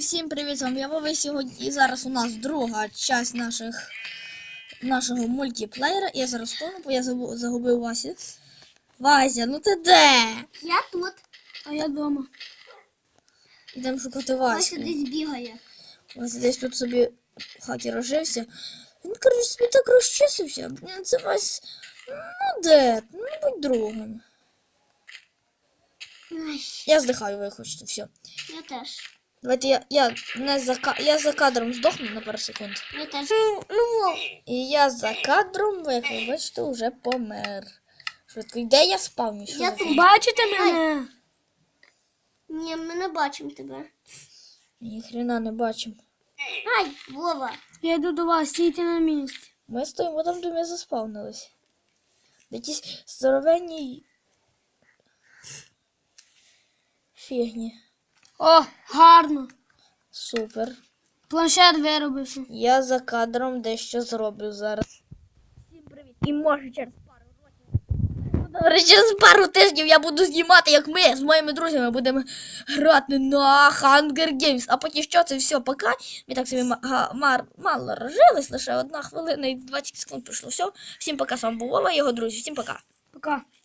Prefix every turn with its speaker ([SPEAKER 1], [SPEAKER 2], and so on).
[SPEAKER 1] Всім привіт, з вами я Вова. Сьогодні і зараз у нас друга часть нашого мультиплеєра. Я зараз тону, бо я загубив Васю. Вася, ну ти де?
[SPEAKER 2] Я тут.
[SPEAKER 3] А я дома.
[SPEAKER 1] Ідемо шукати
[SPEAKER 2] Вася
[SPEAKER 1] Ваську.
[SPEAKER 2] десь бігає.
[SPEAKER 1] Вася десь тут собі в хаті розжився. Він, коротше, собі так розчисився. Блін, це Вась, ну де? Ну будь другом.
[SPEAKER 2] Ай,
[SPEAKER 1] Я здихаю, ви хочете, все.
[SPEAKER 2] я теж.
[SPEAKER 1] Давайте я за кадром здохну на пару секунд.
[SPEAKER 2] Я теж.
[SPEAKER 1] І я за кадром, як ви бачите, вже помер. Швидко, де я спав?
[SPEAKER 2] Я тут.
[SPEAKER 3] Бачите мене?
[SPEAKER 2] Ні, ми не бачимо тебе.
[SPEAKER 1] Ніхрена не бачимо.
[SPEAKER 2] Ай, Вова.
[SPEAKER 3] Я йду до вас, стійте на місці.
[SPEAKER 1] Ми стоїмо там, де ми заспавнились. Якісь здоровенні фігні.
[SPEAKER 3] О, гарно.
[SPEAKER 1] Супер.
[SPEAKER 3] Планшет виробився.
[SPEAKER 1] Я за кадром дещо зроблю зараз. Всім привіт. І може через пару років. Через пару тижнів я буду знімати, як ми з моїми друзями будемо грати на Hunger Games. А поки що це все, пока. Ми так собі мало розжились, лише 1 хвилина і 20 секунд пройшло. Все. Всім пока, з вами був Вова і його друзі. Всім пока.
[SPEAKER 3] Пока.